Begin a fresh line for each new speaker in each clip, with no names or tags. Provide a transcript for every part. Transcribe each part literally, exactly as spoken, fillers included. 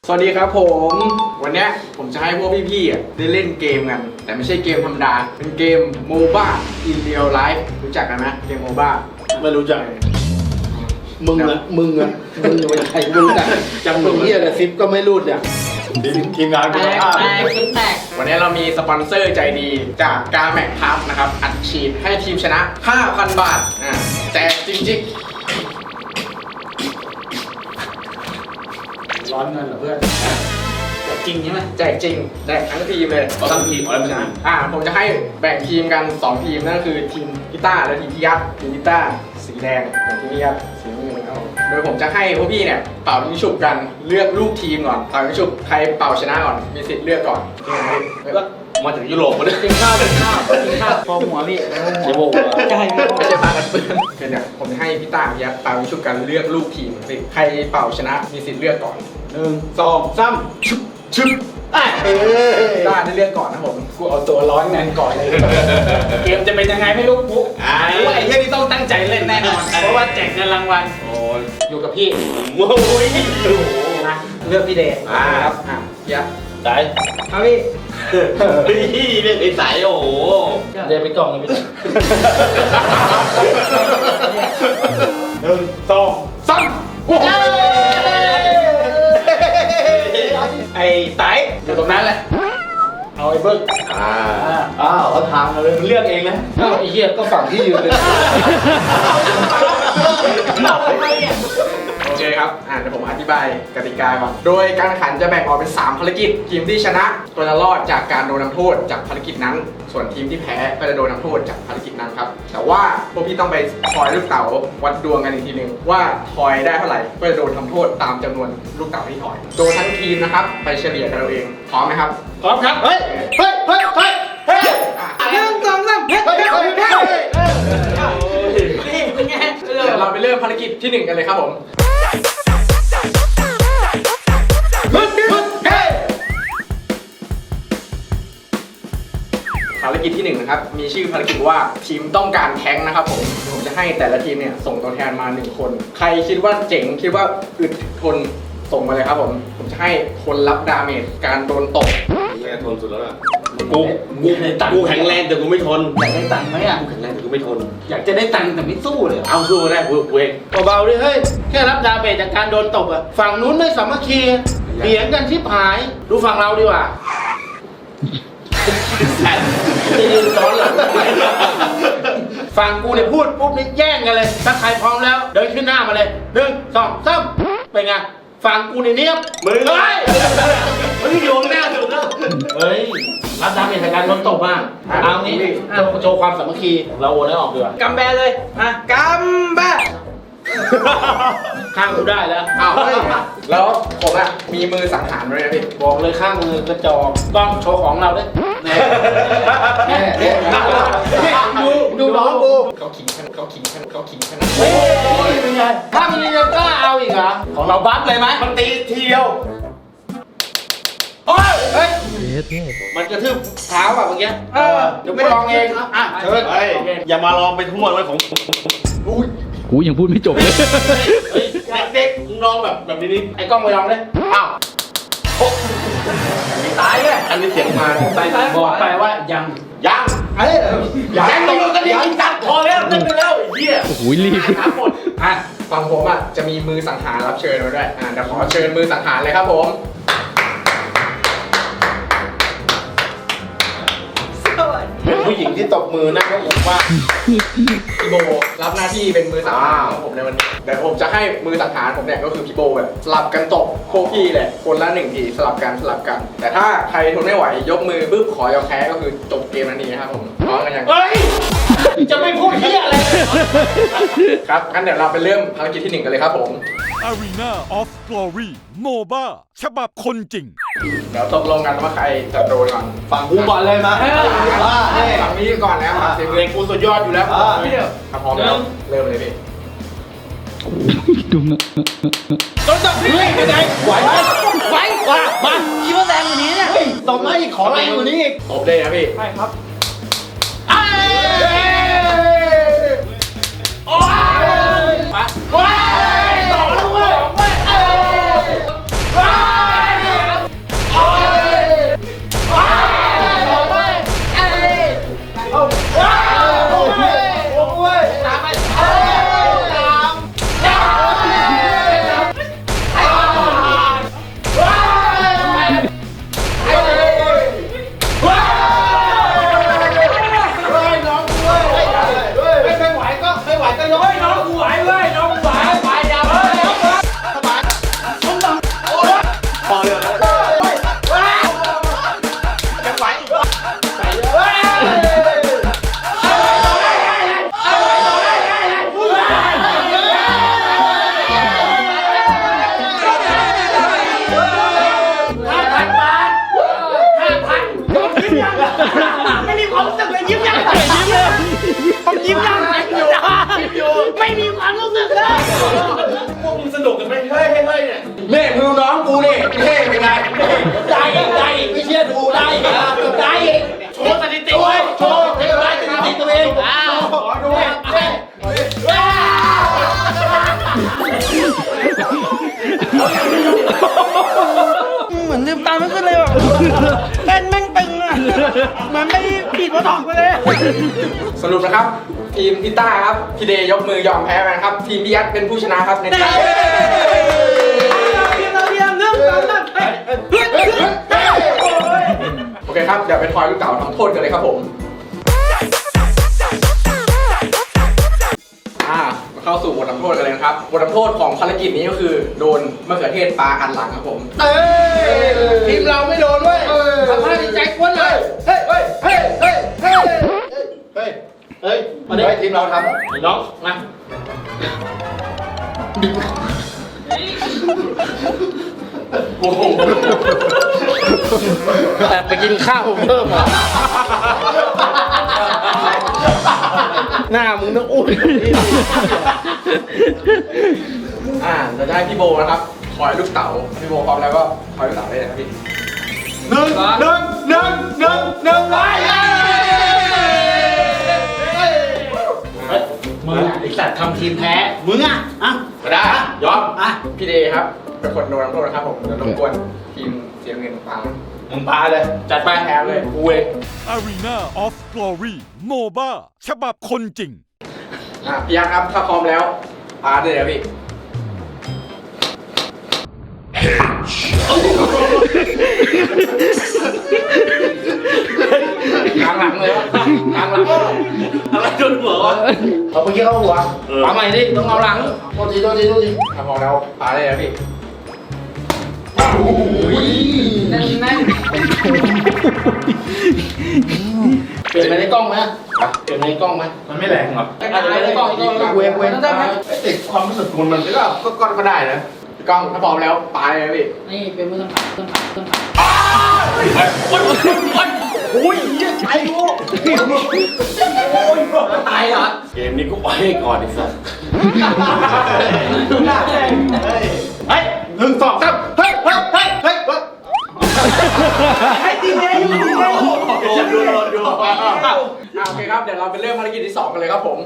สวัสดีครับผมวันนี้ผมจะให้พวกพี่ๆได้เล่นเกมกันแต่ไม่ใช่เกมธรรมดาเป็นเกม โมบ้า in real life รู้จักกันไหมเกม โมบ้า
ไม่รู้จักมึงอะมึงอะมึงเป็นใครไม่รู้จักจังมึงเหี้ยอะไรซิปก็ไม่รู้เนี่ยทีมงาน
แต
คุณ
ก
ภาพ
แตกขึ้นแตก
วันนี้เรามีสปอนเซอร์ใจดีจากกาแมกพับนะครับอัดฉีดให้ทีมชนะ ห้าพัน บาทอ่าแจกจริงๆ
ร้อนเงินเหรอเพื่อน
แตกจริงใช่ไหม
แจกจริงแจกทั้งทีมเลย
เอาทั้งทีมเอาแล้วชนะ
อ่าผมจะให้แบ่งทีมกันสองทีมนั่นก็คือทีมกีตาร์และทีมพี่ยักษ์ทีมกีตาร์สีแดงของทีมพี่ยักษ์สีน้ำเงินครับผมโดยผมจะให้พวกพี่เนี่ยเป่ายิงฉุบกันเลือกลูกทีมก่อนเป่ายิงฉุบใครเป่าชนะก่อนมีสิทธิ์เลือกก่อนแล้ว
มาถึงยุโรปมาเนี่ย
กินข้าวกินข้าวกินข้าวพอหัวพี่
เดี๋ยวโมก
ใช่
ไม่ใช่ปากันเปื้อนคือเนี่ยผมจะให้พี่ตาพี่ยักษ์เป่ายิงฉุบกันเลือกลูกทีมสิใครเป่าชนะมีสิทธิ์เลือกก่อน
หนึ่งสองสามชุบชุบเอ้ย
พี่ตาได้เลือกก่อนนะผมกูเอาตัวร้อนเงินก่อนเลย
เกมจะเป็นยังไงไม่รู้ปุ๊บว่าไอ้เหี้ยนี่ต้องตั้งใจเล่นแน่นอนเพราะว่าแจกเงินรางวัล
โอ้ย
อยู่กับพี่
โอ้ย
นะเลือกพี่เดช
อ่าครับอ่ะพี่ยักษ์
ได้
ครับพี่
พี่เรียกไอ้สายโอ้โห
เดินไปกล่องเลยพี่
หนึ่งสองสามโอ้ย
ไอ้ไตอยู่ตรงนั้นแหละเอาไอ้เบิ้ง
อ่าอ้าวเขาทางมาเลยมึงเลือกเองนะ
เอาไอ้เหี้ยก็ฝั่งที่ยืนเลย
โอเคครับอ่าเดี๋ยวผมอธิบายกติกาก่อนโดยการแข่งขันจะแบ่งออกเป็นสามภารกิจทีมที่ชนะก็จะรอดจากการโดนทำโทษจากภารกิจนั้น ส่วนทีมที่แพ้ก็จะโดนทำโทษจากภารกิจนั้นครับแต่ว่าพวกพี่ต้องไปทอยลูกเต๋าวัดดวงกันอีกทีหนึงว่าทอยได้เท่าไหร่ก็จะโดนทำโทษตามจำนวนลูกเต๋าที่ทอยโดนทั้งทีมนะครับไปเฉลี่ยกันเราเองพร้อมไหมครับ
พร้อมครับ
เฮ้ยเฮ้ยเฮ้ยเฮ้ยเฮ้ย
หนึ่งสองสามเฮ้ย
เฮ้ย
เฮ้ย
เฮ้ย
เฮ้ย
เฮ้ย
นี่เป็นไงเออ
เดี๋ยวเราไปเริ่มภารกิจที่หนึ่งกันเลยครับผม
ฮึดฮึดเฮ้ย
ภารกิจที่หนึ่งนะครับมีชื่อภารกิจว่าทีมต้องการแท้งนะครับผมผมจะให้แต่ละทีมเนี่ยส่งตัวแทนมาหนึ่งคน ใครคิดว่าเจ๋งคิดว่าอึดทนส่งมาเลยครับผมผมจะให้คนรับดาเมจการโดนตบ
แย่ทนสุดแล้วล่ะกูกูกูแข็งแรงแต่กูไม่ทน
อยากได้ตังค์ไหมอ่ะ
กูแข็งแรงแต่กูไม่ทน
อยากจะได้ตังค์แต่ไม่สู้เลย
เอาสู้ได้กูกูเองเบาๆดิเฮ้ยแค่รับดาเมจจากการโดนตบอะฝั่งนู้นไม่สามัคคีเถียงกันชิบหายดูฝั่งเราดีกว่าจะยืนซ้อนหลังฝั่งกูเนี่ยพูดปุ๊บนี่แย่งกันเลยถ้าใครพร้อมแล้วเดินขึ้นหน้ามาเลยหนึ่งสองสามเป็นไงฝั่งกูเนี่ยเนียบมึงเฮ้ยมึงอยู่ข้างหน้าสุดแล้วเฮ้ยรับดาเมจจากการโดนตบมาเอางี้โชว์โชว์ความสามัคคีเราโอนให้ออกดีกว่า
กำแบเลยอ่ะ
กำบ้า
ข้างกูได้แล้ว
อ้าวเฮ้ยแล้วผมอ่ะมีมือสังหารด้วยนะพี่
บอกเลยข้างมือกระจอกต้องโชว์ของเราด้วยแน่แน่แน่ดูดูน้องกู
เขาขิงขนาดเขาขิงขนาดเขาขิงขนาด
เฮ้ยเป็นไงถ้ามียังกล้าเอาอีกเหรอของเราบัฟเลยไหมมันตีทีเดียวโอ้ยเฮ้ยมันกระทืบเท้าอ่ะเมื่อกี้เออเดี๋ยวไม่ลองเองอ่ะเชิญ
เฮ้ยอย่ามาลองไปทั่วเลยของ
กูยังพูดไม่จบเลย
เฮ้ยเด็กๆมึงลองแบบแบบนี้นี่ไอ้กล้องไปลองเลยอ้าว
ตายเลย
อันนี้เสียงมา
ไปบอกไปว่ายัง
ยังเฮ้ยยังตกกันดิจัดพอแล้วเล่นไปแล้วไอ้เหี้ย
โอ้โหรีบ
หาหมด
อ่ะฝั่งผมอ่ะจะมีมือสังหารรับเชิญมาด้วยอ่ะเดี๋ยวขอเชิญมือสังหารเลยครับผม
เป็นผู้หญิงที่ตบมือนะก็ผมว่า
พี่โบรับหน้าที่เป็นมือสังหารของผมในวันนี้เดี๋ยวผมจะให้มือสังหารผมเนี่ยก็คือพี่โบแบบสลับกันตบพวกพี่เลยคนละหนึ่งทีสลับกันสลับกัน แต่ถ้าใครทนไม่ไหวยกมือปุ๊บขอยอมแพ้ก็คือจบเกมนั้นนี้นะครับผมพร้อมกันยัง
เฮ้ยจะไม่พูดเหี้ยอะไร
ครับงั้นเดี๋ยวเราไปเริ่มภารกิจที่หนึ่งกันเลยครับผม
Arena of Glory โมบ้าฉบับคนจริง
เดี๋ยวตกลงกันว่าใครจะโดนก่อน
ฝั่งกูก่อนเลยมา
ฝั่งนี้ก่อนแล้วครับ
เสียงเพลงกูสุดยอดอยู่แล้ว
ถ้าพร้อมแล้วเริ่มเลยพี่
ดูนะ
โดนจับพี่ไปไหนไหวไหมไหวมามา
คิดว่าแรงกว่านี้เนี่ย
ตบมาอีกขอแรงกว่านี้อีก
ตบเลยนะพี่
ใช่ครับ
โอ้ยมาโอ้ยต่อแล้วเว้ยโอ้ย
พวกมึงสนุกกันไหมเฮ้ยเฮ้ยเฮ้ยเนี่ย
แม่มึงน้องกูนี่เท่เป็นไงได้อีกได้อีกไม่เชื่อดูได้อีกได้อีก
โชว์สถิติ
โช
ไว้
ว์โชว์เท่ไรสถิติตัวเองอ้าวขอดูเฮ้
เหมือนลืมตาไม่ขึ้นเลยว่ะเต้นแม่งตึงอ่ะเหมือนไม่ผิดว่าถอกไปเลย
สรุปนะครับ ทีมพี่ต้าครับพี่เดย์ยกมือยอมแพ้ไปนะครับ ทีมพี่ยัดเป็นผู้ชนะครับในการ
ทีมเราเรียนเรื่องการนั่นเฮ้ยเฮ้ยเฮ้ยเฮ้ย
โอเคครับ เดี๋ยวไปทอยลูกเต๋าทำโทษกันเลยครับผม อ่ามาเข้าสู่บททำโทษกันเลยนะครับ บททำโทษของภารกิจนี้ก็คือโดนมะเขือเทศปลาอันหลังครับผม
เอ้ยทีมเราไม่โดนเว้ยทำท่าดีใจกวนเลยเฮ้ยเฮ้ยเฮ้ยเฮ้ยเฮ้ยเฮ้ยเฮ้ยมาดิทีมเราทำ
ไอ้น้องมา
แต่ไปกินข้าวเพิ่มอ่ะหน้ามึงต้องอุ้ย
อ่าเราจะให้พี่โบนะครับทอยลูกเต๋าพี่โบพร้อมแล้วก็ทอยลูกเต๋าได้เลยครับพี่
หนึ่งหนึ่งหนึ่งหนึ่งหนึ่งไป
มึงอ่ะไอสัตว์ทำทีมแพ้มึงอ่ะอ่ะ
มาได้ยอม
อ่ะ
พี่เดย์ครับเป็นคนโดนทำโทษนะครับผมเดี๋ยวรบกวนทีมเสียเงินฟัง
มึงปาเลยจัดไป
แพ้เลย
กูเอง
Arena of Glory โมบ้าฉบับคนจริง
อ่ะพี่ยักษ์ครับถ้าพร้อมแล้วปาเลยครับพี่
กลางหลังเลยวะกลางหลัง
อะไรโดนหัววะ
เอาเมื่อกี้เข้าหัวปาใหม่ดิต้องเอาหลังโทษทีโทษทีโทษที
ถ้าพร้อมแล้วปาเลยครับพี่
แน่นแน่น
เปลี่ยนไปในกล้องไหมเปลี่ยนไปในกล้องไหม
มันไม่แรงหรอ
อาจจะในกล้องอีกกล้องเวงเวงติดความรู้สึกคุณมันก็ก็ก็ก็ได้นะ
พี่ก้องถ้าพร้อมแล้วปาเลยครับพี่
นี่เป็นมือต้องขับต้องขับต้องขับ
โอ้ยตายกูตายเหรอ
เกมนี้กูไปก่อนไอ้สัส
เฮ้ยหนึ่งสองสามเฮ้ยเฮ้ยเฮ้ยเฮ้ย
ให้ทีมเดียวอยู่ทีมเดียวอยู่
ดูดูดู
อ่ะโอเคครับเดี๋ยวเราไปเริ่มภารกิจที่สองกันเลยครับผม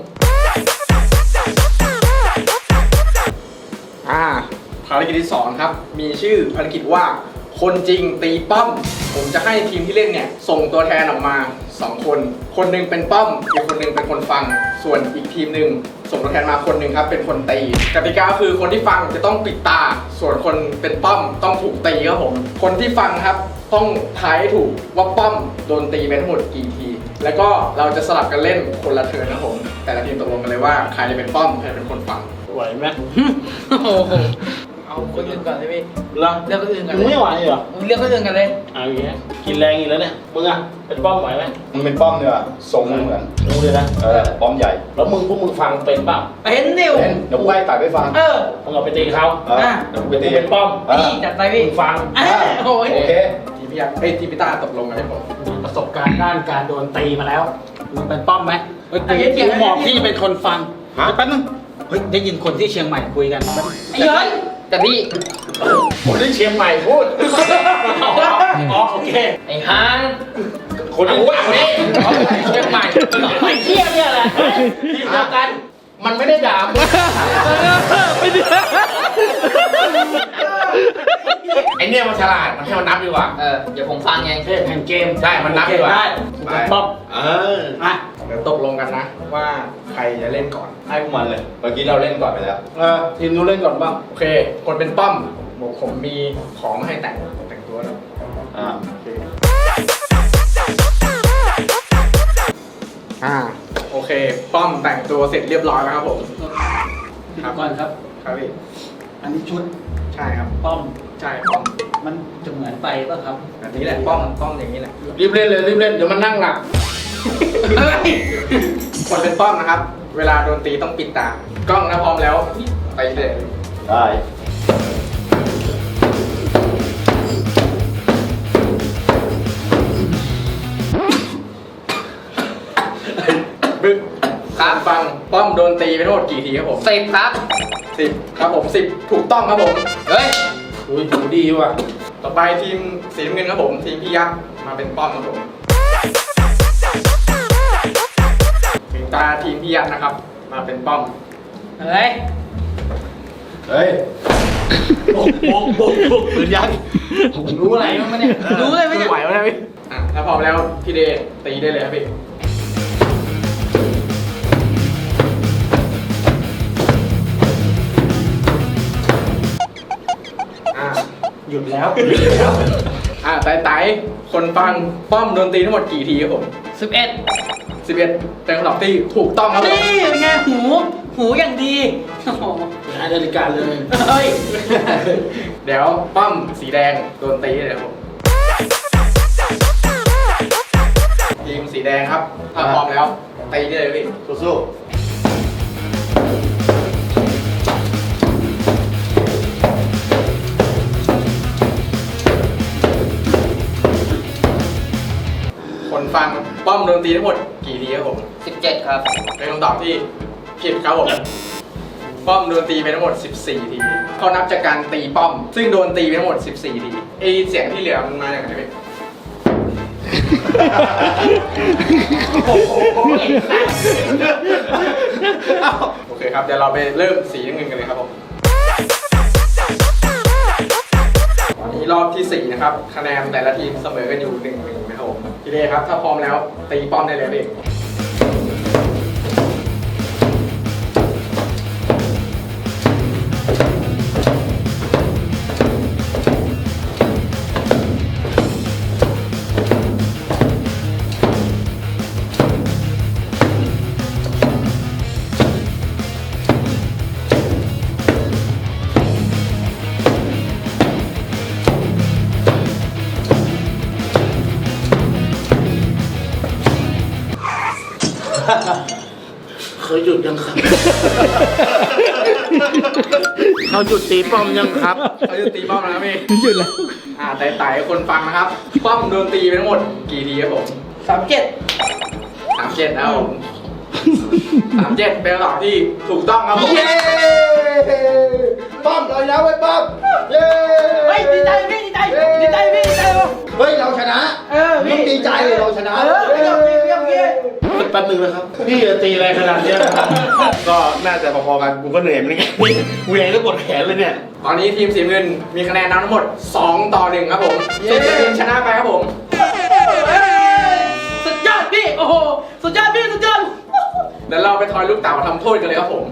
อ่าภารกิจที่สองครับมีชื่อภารกิจว่าคนจริงตีป้อม ผมจะให้ทีมที่เล่นเนี่ยส่งตัวแทนออกมาสองคน คนหนึ่งเป็นป้อมอีกคนหนึ่งเป็นคนฟัง ส่วนอีกทีมหนึ่งส่งตัวแทนมาคนหนึ่งครับเป็นคนตีกติกาคือคนที่ฟังจะต้องปิดตา ส่วนคนเป็นป้อมต้องถูกตีครับผมคนที่ฟังครับต้องทายให้ถูกว่าป้อมโดนตีไปทั้งหมดกี่ที แล้วก็เราจะสลับกันเล่นคนละเทิร์นนะครับผมแต่ละทีมตกลงกันเลยว่าใครจะเป็นป้อมใครจะเป็นคนฟัง
ไหวไหม
โอ้โหเอาคนอื่นก่อนเลยพี่
เหรอ
เลือกคนอื่นก่อน
มึง
เลย
ไม่ไหวเหรอ
มึงเลือกคนอื่นกันเลย
เอาอย่างเงี้ยกินแรงอีกแล้วเนี่ยมึงอ่ะเป็นป้อมไหวไหม
มึงเป็นป้อมเนี่ยทรงมึงเหมือน
รู้เลยนะ
เออป้อมใหญ่
แล้วมึงพวกมึงฟังเป็นเปล่า
เป็นนิว
เป็นเดี๋ยวกูให้ตัดไปฟัง
เออ
มึงเอาไปตีเขา
เออเดี๋ยวกูไป
กู
ตี
เป็นป้อม
เออ
นี่จัดไปพี่
มึงฟัง
อ่ะโอ้ย
โอเค
ทีมพี่ยักษ์เอ้ยทีมพี่ตาตกลงกันให้ผม
ประสบการณ์ด้านการโดนตีมาแล้วมึงเป็นป้อมไหมเฮ้ย
ไอ้เหี้ยเกี่ยว
กูบอกพี่เป็นคนฟังแป๊บนึงเฮ้ยได้ยินคนที่เชียงใหม่คุยกัน
ไอ้เฮ้ย
แต่พี่คนที่เชียงใหม่พูดอ๋อโอเค
ไอ้ฮาน
คนรู้ว่านี่เชียงใหม่
ไอ้เที่ยเนี่ยแหละ
ทีมเดียวกันมันไม่ได้ด่ามึง ไอเนี่ยมันฉลาด มันให้มันนับดีกว่า
เออเดี๋ยวผมฟังไง
เทพแห่งเกม ใช่ มันนับดีกว่า
ได้
ไปป๊อปเอออ่ะ
เดี๋ยวตกลงกันนะว่าใครจะเล่นก่อน
ให้พวกมันเลย เมื่อกี้เราเล่นก่อนไปแล้ว
เออทีมนู้นเล่นก่อนบ้าง
โอเค คนเป็นป้อมบอกผมมีของมาให้แต่งแต่งตัวแล้ว
อ่า
โอเคอ่าโอเค ป้อมแต่งตัวเสร็จเรียบร้อยแล้วครับผม
ครับก่อนครับ
ครับพี่
อันนี้ชุด
ใช่ครับ
ป้อม
ใช่ป้อม
มันจะเหมือนไปป่ะครับ
แบบนี้แหละป้อมป้อมอย่างนี้แหละ
รีบเล่นเลยรีบเล่น เดี๋ยวมันนั่งหลับ
คนเป็นป้อมนะครับ เวลาโดนตีต้องปิดตากล้องนะพร้อมแล้วไปเลย
ได้
บึ้งครับฟังป้อมโดนตีไปทั้งหมดกี่ทีครับผม
สิบครับ
สิบครับผมสิบถูกต้องครับผม
เฮ้ย
อุ้ยถูดีว่ะ
ต่อไปทีมสีน้ำเงินครับผมทีมพี่ยักษ์มาเป็นป้อมครับผมถึงตาทีมพี่ยักษ์นะครับ มาเป็นป้อม
เฮ้ย
เฮ้ย
โบกโบกโบกโบกปืนยักษ์รู้อะไรมั้งเนี่ย
รู้เลยไหมเนี่ย
ไหวไหมนะพี่อ่ะถ้าพร้อมแล้วพี่เดชตีได้เลยครับพี่อ่ะ
หยุดแล้ว
อ่ะไต่ไต่คนฟังป้อมโดนตีทั้งหมดกี่ทีครับผม
สิบเอ็ด
สิบเอ็ดเป็นคำตอบที่ถูกต้องครับผม
นี่เป็นไงหู หูอย่างดีโอ้โห
หานาฬิกาเลย
เฮ้ย
เดี๋ยวป้อมสีแดงโดนตีเลยครับผมทีมสีแดงครับถ้าพร้อมแล้วตีได้เลยพี่
สู้
คนฟังป้อมโดนตีทั้งหมดกี่ทีครับผม
สิบเจ็ดครับ
เป็นคำตอบที่ผิดครับผมป้อมโดนตีไปทั้งหมดสิบสี่ทีเขานับจากการตีป้อม ซึ่งโดนตีไปทั้งหมดสิบสี่ทีไอเสียงที่เหลือมันมาจากไหนพี่โอเคครับเดี๋ยวเราไปเริ่มสีน้ำเงินกันเลยครับผมตอนนี้รอบที่สี่นะครับคะแนนแต่ละทีมเสมอกันอยู่หนึ่งหนึ่งนะครับผมพี่เดชครับถ้าพร้อมแล้วตีป้อมได้เลยพี่
เคยหยุดยังครับ เขาหยุดตีป้อมยังครับ
เขาจะตีป้อมแล้วพี่
หยุดแล้ว
อ่าไต่ไต่คนฟังนะครับ ป้อมโดนตีไปทั้งหมดกี่ทีครับผม
สามเจ็ด
สามเจ็ดนะครับผมสามเจ็ดเป็นคำตอบที่ถูกต้องครับผม
ๆเย้ป้อมเลยนะเว้ยป้อมเย้
เฮ้ย ดีใจพี่ดีใจ ดีใจพี่ดีใจวะ
เฮ้ยเราชนะ
เออพี่
ต้องดีใจเราชนะ
เออไม่ยอมพี่ไม่ยอมพี่
แป๊บนึงนะครับ พี่จะตีอะไรขนาดเนี้ย
ก็น่าจะพอๆกันกูก็เหนื่อยเหมือนกัน
เหวี่ยงแล้วปวดแขนเลยเนี่ย
ตอนนี้ทีมสีน้ำเงินมีคะแนนนำทั้งหมดสองต่อหนึ่งครับผมส่วนทีมชนะไปครับผม
สุดยอดพี่ โอ้โห สุดยอดพี่ สุดยอด
เดี๋ยวเราไปทอยลูกเต๋าทำโทษกันเลยครับผม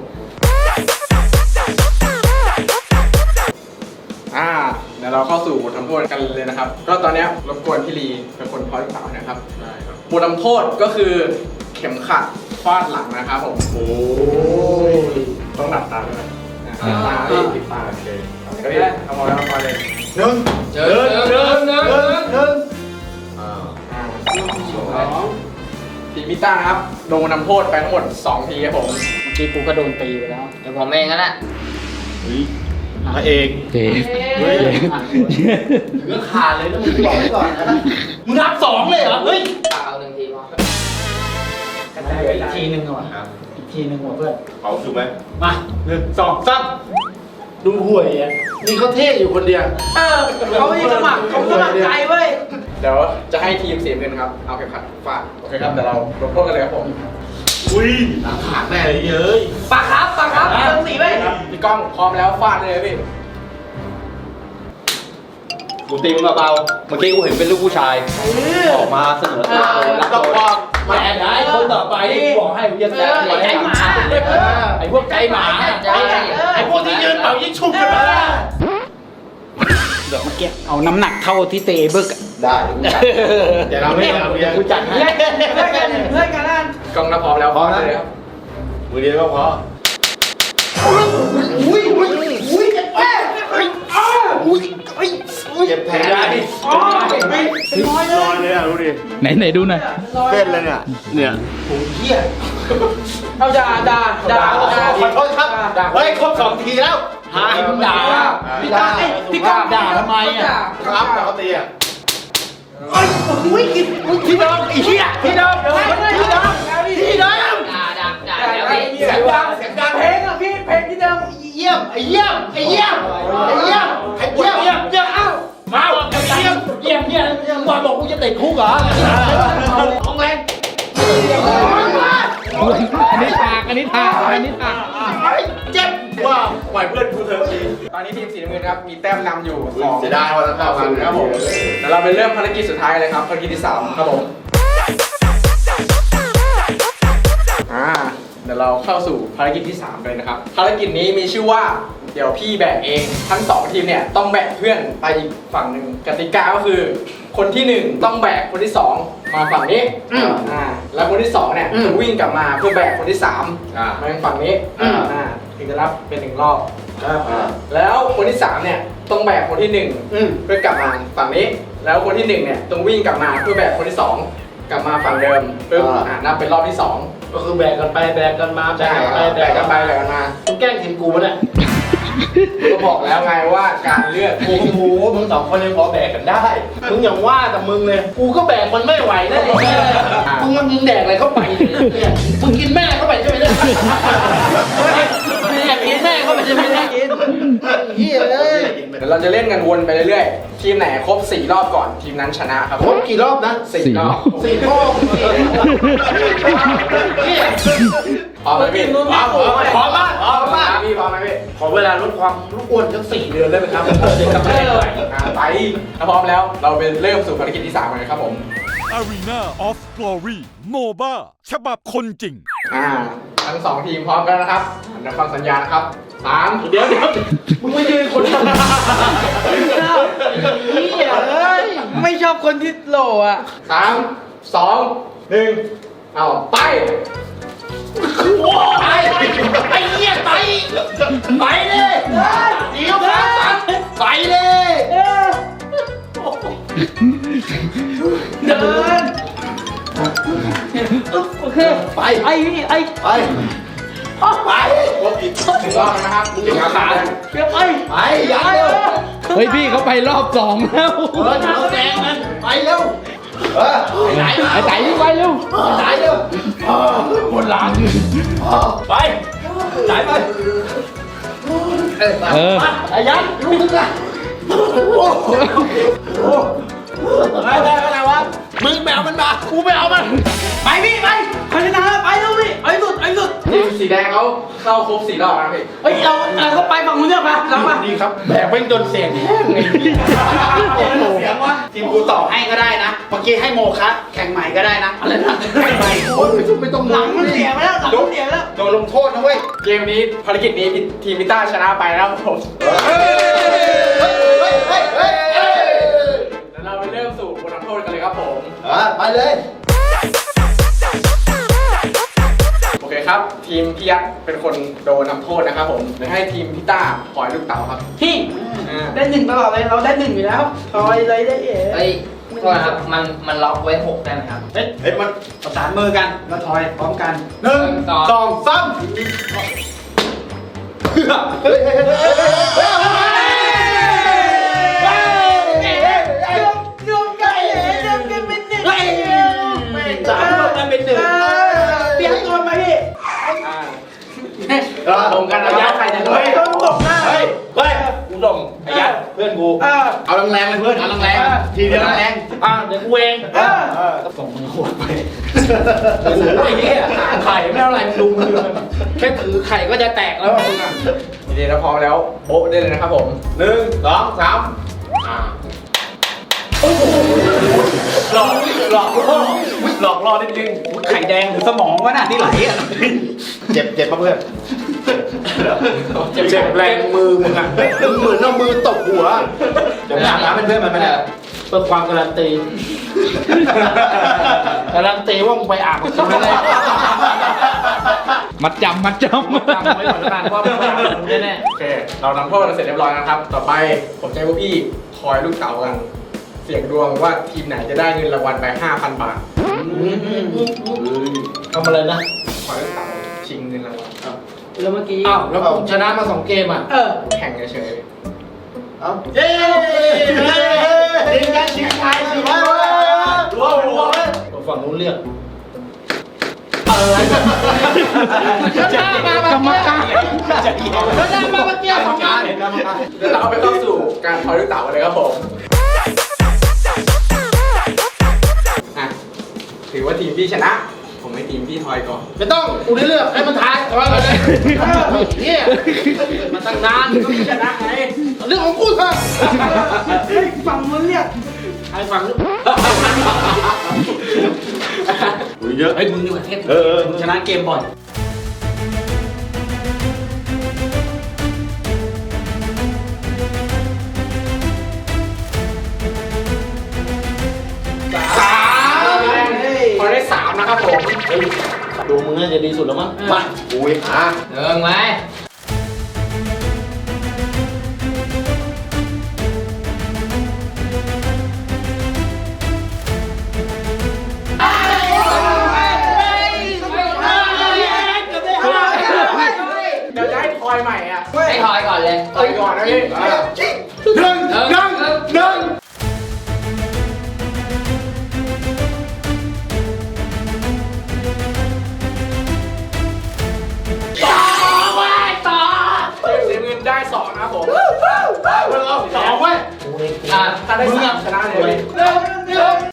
อ่าเดี๋ยวเราเข้าสู่บททำโทษกันเลยนะครับ ก็ตอนเนี้ยรบกวนพี่ลีเป็นคนทอยลูกเต๋านะครับได้ครับบททำโทษก็คือเข็มขัดฟาดหลังนะครับผมโอ้ยต้องหลับตาด้วยนะหลับตาพี่ปิดตาโอเคก็พี่เอามาแล้วมาเลย
หนึ่ง
เจอเจอเจอเจอ
หนึ่งหนึ่งอ่า
อ่าสองทีมพิต้านะครับโดนนำโทษไปทั้งหมดสองทีครับผม
เมื่อกี้กูก็โดนตีไปแล้ว เดี๋ยวผมเองก็แหละ
พระเอก
เจ๊
เฮ้ยเรื่องขาดเลยนะมึงบอกไว้ก่อนนะมึงนับสองเลยเหรอ เฮ้ย
เปล่าหนึ่งทีพออีกทีหนึ่งเหรอ
ครับ
อีกทีหนึ่งเหรอเพื่อน
เอาถูกไหม
มาหนึ่งสองสามดูห่วยอ่ะนี่เขาเท่อยู่คนเดียว
เออเขาไม่สมัครเขาสมัครใจเว้ย
เดี๋ยวจะให้ทีมสีน้ำเงินครับเอาเข็มขัดฟาดโอเคครับเดี๋ยวเราลงโทษกันเลยครับผม
อุ้ยหลังขาดแน่เลยเย้ย
ปากครับปากครับเติมสีไว้
ครับพี่ก้องพร้อมแล้วฟาดเลยพี่
กูตีมึงเบาๆเมื่อกี้กูเห็นเป็นลูกผู้ชาย ออกมาเสนอตัวรับ
ต้อง
โดน
บอกมาแอนได้คนต่อไปบอกให้มึงจะแต่ง
ไอ้ใจหมา
ไอ้พวกใจหมาไอ้พวกที่ยืนเป่ายิงชุบกันมา
เดี๋ยวเมื่อกี้เอาน้ำหนักเท่าที่เตะบึก
ได้เดี๋ยวกูจัด
เดี๋ยวเราไม่เอาเดี๋ยวกูจัดให้
เพื่อนกันเพื่อนกันนั่น
กล้องถ้าพร้อมแล้ว
พร้อม
ฟา
นะ
ดเลยครับ
มือเดียวก็พอ
อุ้ยอุ้ยอุ้ยเจ็บแผลอุ้ยอุ้ยเจ็บแผลได้
อ๋อเป็นร้อยเล
นอย นเลยอ่ะดูดิ
ไหนไหนดูหน่อย
เต้นเลยเนี่ยเนี่ยโอ้เหี้ย
เอาด่าด่าด่าด่า
ขอโทษครับเฮ้ยครบสองทีแล้วหามึงด่า
พี่ก้องพี่ก้องด่าทำไมอ่ะ
ครับเขาตีอ่ะไอ้อุ้ยพี่น้องไอ้เหี้ยพี่น้องพี่น้องพี่น้อง
ด่าด่าด่าแล้วพี่
งดังเสียงดัง
เพลงอ่ะพี่เพลงที่เดิม
เยี่ยมไอ้เยี่ยมไอ้เยี่ยมไอ้เยี่ยมไอ้เยี่ยมเยี่ยมเยี่ยมเอ้ามาไอ้เยี่ยมเยี่ยมเนี่ยบอลบอกกูจะติดคุกเหรอของแรง
อันนี้ถากอันนี้ถากอันนี้ถาก
เจ็บว่าปล่อยเพื่อนกูเถอะ
ตอนนี้ทีมสีน้ำเงินครับมีแต้มนำอยู่สอง
เสียดายวันละ
ต่อกันครับผมเดี๋ยวเราไปเริ่มภารกิจสุดท้ายเลยครับภารกิจที่สามครับผมอ่าเดี๋ยวเราเข้าสู่ภารกิจที่สามเลยนะครับภารกิจนี้มีชื่อว่าเดี๋ยวพี่แบกเองทั้งสองทีมเนี่ยต้องแบกเพื่อนไปอีกฝั่งหนึ่งกติกาก็คือ คนที่หนึ่งต้องแบกคนที่สองมาฝั่งนี้อ่าแล้วคนที่สองเนี่ยจะวิ่งกลับมาเพื่อแบกคนที่สามมาฝั่งนี้อ่าถึงจะรับเป็นหนึ่งรอบแล้วคนที่สามเนี่ยต้องแบกคนที่หนึ่งเพื่อกลับมาฝั่งนี้แล้วคนที่หนึ่งเนี่ยต้องวิ่งกลับมาเพื่อแบกคนที่สองกลับมาฝั่งเดิมปึ๊บอ่านับเป็นรอบที่สอง
ก็คือแบกกันไปแบกกันมาแบ
ใช่
กกันไป
แบกกันไปแบกกันมา
มึงแกล้งทีมกูปะเนี่ย
ก็บอกแล้วไงว่าการเลือก
โอ้โหมึงสองคนยังพอแบกกันได้ มึงอย่างว่าแต่มึงเลย กูก็แบกมันไม่ไหวนะไอ้แม่มึงมันมึงแดกอะไรเข้าไปเนี่ยมึงกินแม่เข้าไปใช่ไหมเนี่ยแม่กินแม่เข้าไปใช่ไหมเนี่ยกินเฮียเลย
เดี๋ยวเราจะเล่นกันวนไปเรื่อยๆทีมไหนครบสี่รอบก่อนทีมนั้นชนะครับ
ครบกี่รอบนะ
สี่รอบ
สี่รอบเนี่ย
พร้อมไหมพี่
พร้อมพร้อมมากพร้อมมาก
พี่พร้อมไหมพี่
ขอเวลาลดความอ้วนสักสี่เดือนได้ไหมครับเด็กกลับไม่ได้เลย
อ่าไปถ้าพร้อมแล้วเราไปเริ่มสู่ภารกิจที่สามกันเลยครับผม
Arena of Glory โมบ้าฉบับคนจริง
อ่าทั้งสองทีมพร้อมกันนะครับเดี๋ยวฟังสัญญาณนะครับสาม
เดี๋ยวเดี๋ยวมึงไม่ยืนคนเดียว
เหี้ยเอ้ยไม่ชอบคนที่โหลอ่ะ
สามสองหนึ่งเอาไป
ไปไอ้เหี้ยไปไปเลยเดี๋ยวครับไปเลย
เดินโอเค
ไป
ไอ้ไอ้
ไปไป
ครบอีกหนึ่งรอบนะครับหนึ่งขา
เดี๋ยวไป
ไปอย่าเร็ว
เฮ้ยพี่เขาไปรอบสองแล้ว
เออเราแซงมันไปเร็วเออไหน
ไอ้ไต่วิ่งไปเร็ว
ไหนเร็วบนหลังไปไหนไป
เออ
ไอ้ยันลูกนึงละไปไปไปไหนวะมึงไปเอามันมากูไปเอามัน
ไปพี่ไปคนชนะไปเร็วพี่ไอ้สุดไอ้สุด
ทีมสีแดงเขาเข้าครบสี่รอบนะพี่
เฮ้ยเราเราก็ไปฝั่งนู้นเนี่ยมาเรามา
นี่ครับแบกเป็นจนเสียงแห้งไง
เสียงว่าทีมกูต่อให้ก็ได้นะ เมื่อกี้ให้โมคะแข่งใหม่ก็ได้นะ อะไรนะแข่งใหม่
โอ้ยไม่ต้อง
หลังมันเสียไปแล้วหลังมันเสียไปแล้ว
โดนลงโทษนะเว้ย
เกมนี้ภารกิจนี้ทีมพิต้าชนะไปนะครับผม
เฮ้ยเฮ้ยเฮ้ยเฮ้ยเฮ้ย
แล้วเราไปเริ่มสู่บทลงโทษกันเลยครับผม
อ่ะไปเลย
โอเคครับ ทีมพี่ยักษ์เป็นคนโดนทำโทษนะครับผมเดี๋ยวให้ทีมพิต้าปล่อยลูกเต๋าครับ
พี่
อ่า
ได้หนึ่งตลอดเลยเราได้หนึ่งอยู่แล้วทอยเลยได้เอ๋
เฮ้ยโทษนะครับมันมันล็อกไว้หกได้ไหมครับ
เฮ้ยเฮ้ยมัน
ประสานมือกันแล้วถอยพร้อมกัน
หนึ่ง
สอง
สองสามเฮ้ยเฮ้ยเฮ้ยเฮ้ยเฮ้ย
รวมกันเอ๋รวมกันเป็นหนึ่ง
สามรวมกันเป็นหนึ่ง
เปลี่ยนตัวไหมพี่
อ่าตรงกันนะยักษ์ใครจะโดน
เฮ้ยต้องตกหน้า
เฮ้ยเฮ้ยกูส่งไอ้ยัดเพื่อนกู
เออ
เอาแรงๆเลยเพื่อนเอาแรงๆทีเดียวแรงๆอ่ะเดี๋ยวกูเอง
เออ
ส่งมือขวดไปโอ้โหไอ้เหี้ยหาไข่ไม่เอาอะไรมึงดูมือมันแค่ถือไข่ก็จะแตกแล้วมึงอ่ะ
ดีๆนะพร้อมแล้วโบ๊ะได้เลยนะครับผม
หนึ่งสองสามอ่า
หลอกหลอกล่อหลอกล่อนิดนึงอุ๊ยไข่แดงหรือสมองวะน่ะที่ไหลอ่ะ
เจ็บเจ็บปะเพื่อนเจ็บเจ็บแรงมือมึงอ่ะมึงเหมือนเอามือตบหัวเดี๋ยวอาบน้ำเป็นเพื่อนมันไม่ได้เพื่อความการันตีการันตีว่ามึงไปอาบกับกูไม่ได้
มัดจำมัดจำ
จำไว้ก่อนแล้วกันว่ามึงไปอาบกับกูแน่
โอเค เราทำโทษกันเสร็จเรียบร้อยนะครับ ต่อไปผมจะให้พวกพี่คอยลูกเต๋ากัน เสี่ยงดวงว่าทีมไหนจะได้เงินรางวัลไป ห้าพัน บาท
ทำอะไรนะ
คอยลูกเต๋าชิงเงินรางวัล
แล้วเมื่อกี้
อ้าวแล้วผมชนะมาสองเกมอ่ะ
เออ
แข่งเฉย
เอ้าเย้ชิงกันชิงไทยชิงไทยรัวรัวผมฝั่งนู้นเรียก
ๆ
อะไรเดินหน้ามา
กรรมการ
เดินหน้ามาเมื่อกี้สองงาน
เดี๋ยวเราไปเข้าสู่การทอยลูกเต๋ากันเลยครับผมอ่ะถือว่าทีมพี่ชนะ ผมให้ทีมพี่ทอยก่อน
ไม่ต้องกูได้เลือกให้มันทายทอยมาเลยเฮียมาตั้งนานก็ไม่ชนะไงเรื่องของกูเถอะ
ฝั่งมันเนี่ย
ใครฟังหรือ
เยอะ
ไอ้ยมึงนี่หว่าเทพ
เออ
มึงชนะเกมบ่อย
สามทอยได้สามนะครับผม
ดูมึงน่าจะดีสุดแล้วมั้งมา
อุ้ยอ่ะ
เดินไหม
เดี๋ยวจะให้ทอยใหม่อ่ะ
ให้ทอยก่อนเลย
ทอยก่อนนะพี่
หนึ่งหนึ่งหนึ่ง
เสียเงินได้สองนะครับผม
สองเว้ย
อ่ะ
ถ้าได้สามชนะเลย
หนึ่งหนึ่ง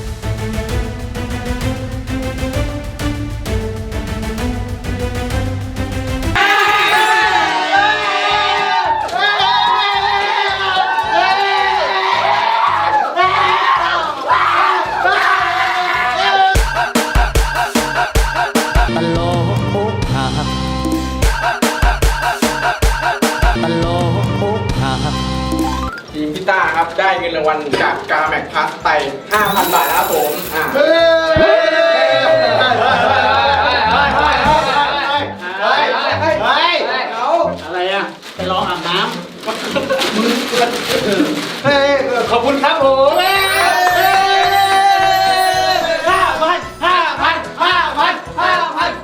ทีมพี่ต้าครับได้เงินรางวัลจากกาแม็กพลัสไต ห้าพัน บาทนะครับผมอ่ะ
เฮ้ยอะไรอ่ะไปร้องอาบน้ำขอบคุณครับผมห้าพันห้าพันห้าพันห้าพัน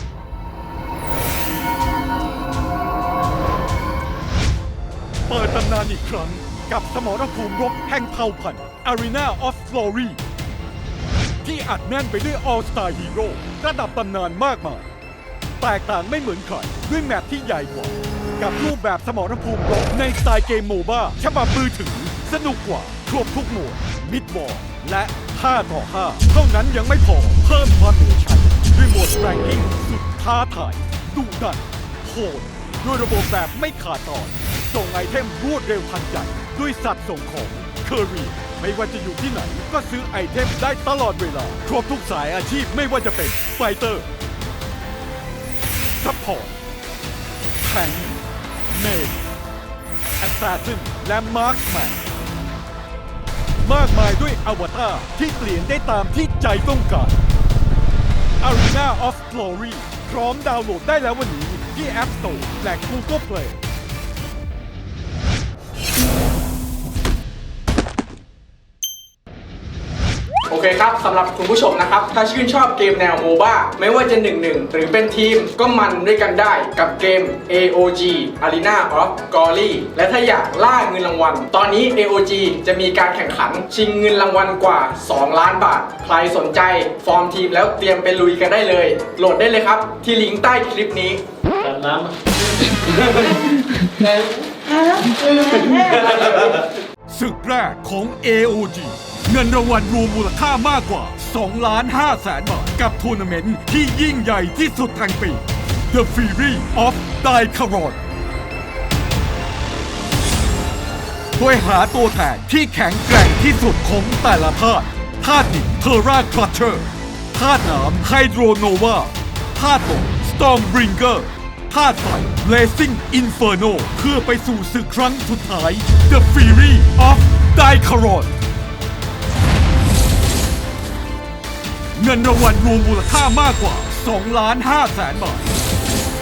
เปิดตำนานอีกครั้งกับสมรภูมิรบแห่งเผ่าพันธุ์ Arena of Glory ที่อัดแน่นไปด้วย All Star Hero ระดับตำนานมากมาย แตกต่างไม่เหมือนใครด้วยแมปที่ใหญ่กว่า กับรูปแบบสมรภูมิรบในสไตล์เกมโมบ้าฉบับมือถือสนุกกว่าครบทุกโหมดมิดวอลและห้าต่อห้าเท่านั้นยังไม่พอเพิ่มความเหนือชั้นด้วยโหมดแรงกิ้งสุดท้าทายดุดันโหดด้วยระบบแบบไม่ขาดตอนส่งไอเทมรวดเร็วทันใจด้วยสัตว์ส่งของเคอรีไม่ว่าจะอยู่ที่ไหนก็ซื้อไอเทมได้ตลอดเวลาครบทุกสายอาชีพไม่ว่าจะเป็นไฟเตอร์ซัพพอร์ตแทงค์เมจแอสซาซินและมาร์คแมนมากมายด้วยอวตารที่เปลี่ยนได้ตามที่ใจต้องการ Arena of Glory พร้อมดาวน์โหลดได้แล้ววันนี้ที่ App Store และ Google Play
โอเคครับสำหรับคุณผู้ชมนะครับ ถ้าชื่นชอบเกมแนวโมบ้าไม่ว่าจะ หนึ่งหนึ่ง หรือเป็นทีมก็มันด้วยกันได้กับเกม เอ โอ จี Arena of Glory และถ้าอยากล่าเงินรางวัล ตอนนี้ เอ โอ จี จะมีการแข่งขันชิงเงินรางวัลกว่า สองล้านบาท ใครสนใจฟอร์มทีมแล้วเตรียมไปลุยกันได้เลย โหลดได้เลยครับ ที่ลิงก์ใต้คลิปนี้
อาบน้ำ
ศึกแรกของ เอ โอ จี เงินรางวัลรวมมูลค่ามากกว่าสองล้านห้าแสนบาทกับทัวร์นาเมนต์ที่ยิ่งใหญ่ที่สุดแห่งปี The Fury of Daicharon โดยหาตัวแทนที่แข็งแกร่งที่สุดของแต่ละธาตุธาตุดินเทอร่าคลัตเชอร์ธาตุน้ำไฮโดรโนวาธาตุลมสตอร์มบริงเกอร์ธาตุไฟ Blazing Inferno เพื่อไปสู่ศึกครั้งสุดท้าย The Fury of Daicharon เงินรางวัลรวมมูลค่ามากกว่าสองล้านห้าแสนบาท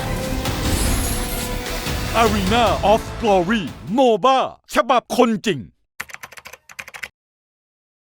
Arena of Glory โมบ้าฉบับคนจริง